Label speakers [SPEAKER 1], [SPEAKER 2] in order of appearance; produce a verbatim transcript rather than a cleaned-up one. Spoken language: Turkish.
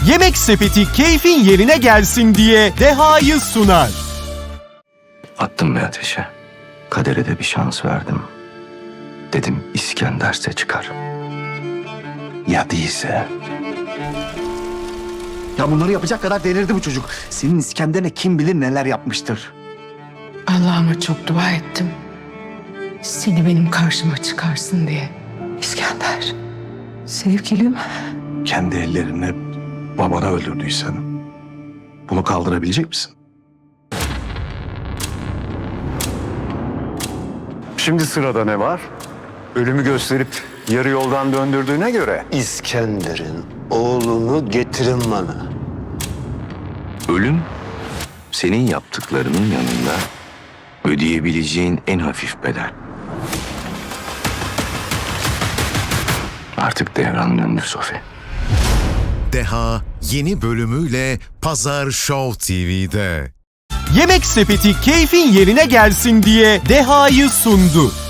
[SPEAKER 1] Yemek Sepeti keyfin yerine gelsin diye Deha'yı sunar.
[SPEAKER 2] Attım bir ateşe. Kadere de bir şans verdim. Dedim İskender'se çıkar. Ya değilse?
[SPEAKER 3] Ya bunları yapacak kadar delirdi bu çocuk. Senin İskender'e kim bilir neler yapmıştır.
[SPEAKER 4] Allah'ıma çok dua ettim. Seni benim karşıma çıkarsın diye. İskender, sevgilim.
[SPEAKER 3] Kendi ellerini babana öldürdüysen bunu kaldırabilecek misin?
[SPEAKER 5] Şimdi sırada ne var? Ölümü gösterip yarı yoldan döndürdüğüne göre
[SPEAKER 6] İskender'in oğlunu getirin bana.
[SPEAKER 2] Ölüm senin yaptıklarının yanında ödeyebileceğin en hafif bedel. Artık devran döndü Sofi.
[SPEAKER 7] Deha yeni bölümüyle Pazar Show T V'de.
[SPEAKER 1] Yemek Sepeti keyfin yerine gelsin diye Deha'yı sundu.